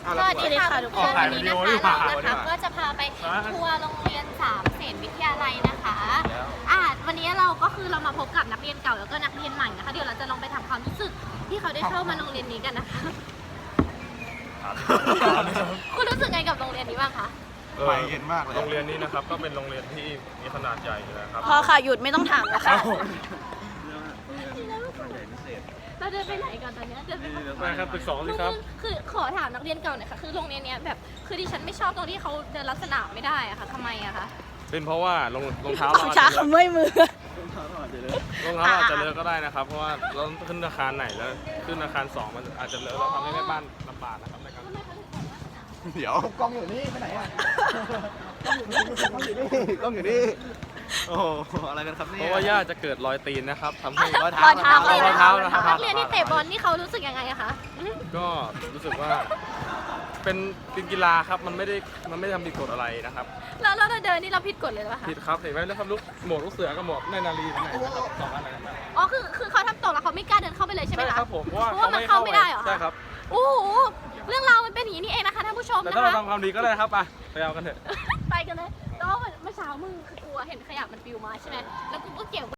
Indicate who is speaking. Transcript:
Speaker 1: สวัสดีค่ะทุกคนวันนี้นะคะเรานะคะก็จะพาไปทัวร์โรงเรียนสามเสนวิทยาลัยนะคะวันนี้เราก็คือเรามาพบกับนักเรียนเก่าแล้วก็นักเรียนใหม่นะคะเดี๋ยวเราจะลองไปทำความรู้สึกที่เขาได้เข้ามาโรงเรียนนี้กันนะคะคุณรู้สึกไงกับโรงเรียนนี้บ้างคะ
Speaker 2: ใหม่เย็นมากเลย
Speaker 3: โรงเรียนนี้นะครับก็เป็นโรงเรียนที่มีขนาดใหญ่นะครับ
Speaker 4: พอค่ะหยุดไม่ต้องถามแล้วค่ะ
Speaker 1: เราเดินไปไหนก่อนตอนนี้เดินไป
Speaker 3: ไปครับตึก2สิครับ
Speaker 1: คือขอถามนักเรียนเก่าหน่อยค่ะคือโรงเรียนนี้แบบคือดิฉันไม่ชอบตรงที่เขาเดินลัดสนามไม่ได้อะค่ะทำไมอะคะ
Speaker 3: เป็นเพราะว่ารองเท้า
Speaker 4: ของช้าขมื่อยมือ
Speaker 3: รองเท้าอาจจะเลอะก็ได้นะครับเพราะว่าเราขึ้นอาคารไหนแล้วขึ้นอาคาร2มันอาจจะเลอะแล้วทำให้แม่บ้านลำบากนะครับในการ
Speaker 2: เดี๋ยวกล้องอยู่นี่ไปไหนอ่ะกล้องอยู่นี่กล้องอยู่นี่กล้องอยู่นี่โอ้โหอะไรกันครับเนี่ย
Speaker 3: เพราะว่าย่าจะเกิดรอยตีนนะครับทำให้
Speaker 4: รอยเท้า
Speaker 3: นะครับ
Speaker 1: นักเรียนที่เตะบอลนี่เขารู้สึกยังไงอะคะ
Speaker 3: ก็รู้สึกว่าเป็นกีฬาครับมันไม่ได้ทำผิดกฎอะไรนะครับ
Speaker 1: แล้วเราเดินนี่เราผิดกฎเลยหรือเปล่าคะ
Speaker 3: ผิดครับเห็นไหมแล้วครับหมวกลูกเสือกับหมวกในนาลีไหนนะครับสองอันไหนนะครับ
Speaker 1: อ๋อคือเขาทำตกแล้วเขาไม่กล้าเดินเข้าไปเลยใช่ไหม
Speaker 3: ใช่
Speaker 1: คะ
Speaker 3: ครับผมเพราะ
Speaker 1: เพราะว่ามันเข้าไม่ได้เหรอ
Speaker 3: ใช่ครับ
Speaker 1: โอ้โหเรื่องราวมันเป็นอย่างนี้นี่เองนะคะท่านผู้ชม
Speaker 3: แต่
Speaker 1: นะ
Speaker 3: ถ้าเรา
Speaker 1: คะ
Speaker 3: ทำความดีก็ได้ครับไปเอากันเถอะ
Speaker 1: ไปกันเลยแล้วเมื่อเช้ามึงคือกลัวเห็นขยะมันปลิวมาใช่ไหมแล้วกูก็เก็บ